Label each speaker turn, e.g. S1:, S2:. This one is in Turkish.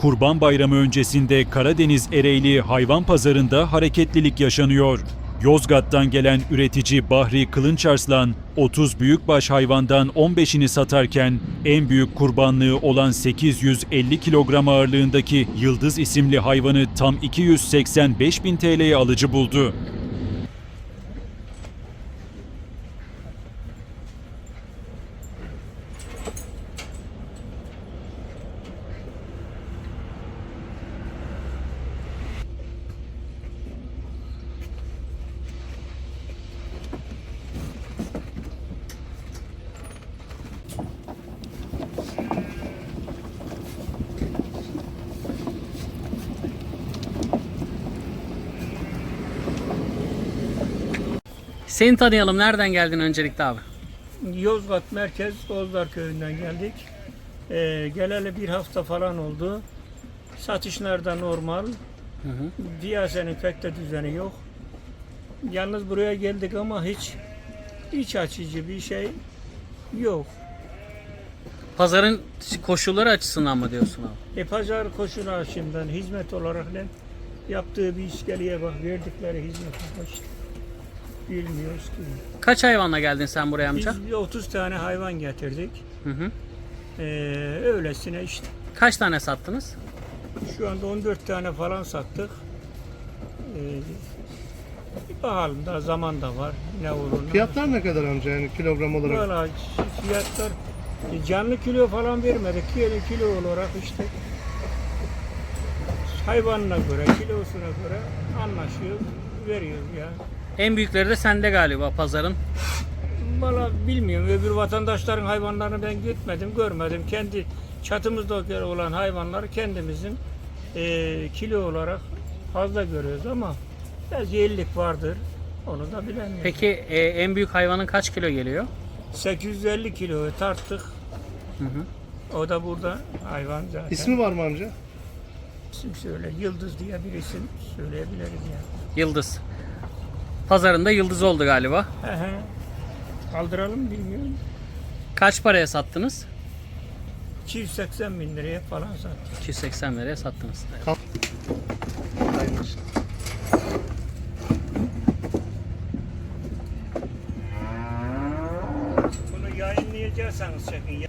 S1: Kurban Bayramı öncesinde Karadeniz Ereğli Hayvan Pazarı'nda hareketlilik yaşanıyor. Yozgat'tan gelen üretici Bahri Kılınçarslan, 30 büyükbaş hayvandan 15'ini satarken en büyük kurbanlığı olan 850 kilogram ağırlığındaki Yıldız isimli hayvanı tam 285 bin TL'ye alıcı buldu.
S2: Seni tanıyalım. Nereden geldin öncelikle abi?
S3: Yozgat Merkez Bozlar Köyü'nden geldik. Geleli bir hafta falan oldu. Satışlar da normal. Piyasanın pek de düzeni yok. Yalnız buraya geldik ama hiç iç açıcı bir şey yok.
S2: Pazarın koşulları açısından mı diyorsun abi?
S3: Pazar koşulu açımdan hizmet olarak ne yaptığı bir iskeleye bak, verdikleri hizmete bak işte. Bilmiyoruz ki.
S2: Kaç hayvanla geldin sen buraya amca?
S3: Biz bir 30 tane hayvan getirdik. Öylesine işte.
S2: Kaç tane sattınız?
S3: Şu anda 14 tane falan sattık. Bakalım da zaman da var. Ne olur.
S4: Fiyatlar ne kadar amca yani kilogram olarak?
S3: Valla fiyatlar canlı kilo falan vermedik. Kilo olarak işte hayvanına göre, kilosuna göre anlaşıyoruz, veriyoruz ya.
S2: En büyükleri de sende galiba pazarın.
S3: Valla bilmiyorum. Öbür vatandaşların hayvanlarını ben gitmedim, görmedim. Kendi çatımızda olan hayvanları kendimizin kilo olarak fazla görüyoruz ama belki 50'lik vardır. Onu da bilemiyorum.
S2: Peki en büyük hayvanın kaç kilo geliyor?
S3: 850 kiloyu tarttık. O da burada hayvan zaten.
S4: İsmi var mı amca?
S3: İsim söyle. Yıldız diye bir isim söyleyebiliriz yani.
S2: Yıldız. Pazarında Yıldız oldu galiba.
S3: Kaldıralım bilmiyorum.
S2: Kaç paraya sattınız?
S3: 280 bin liraya falan sattık.
S2: 280 liraya sattınız.
S3: Bunu yayınlayacaksanız çekin.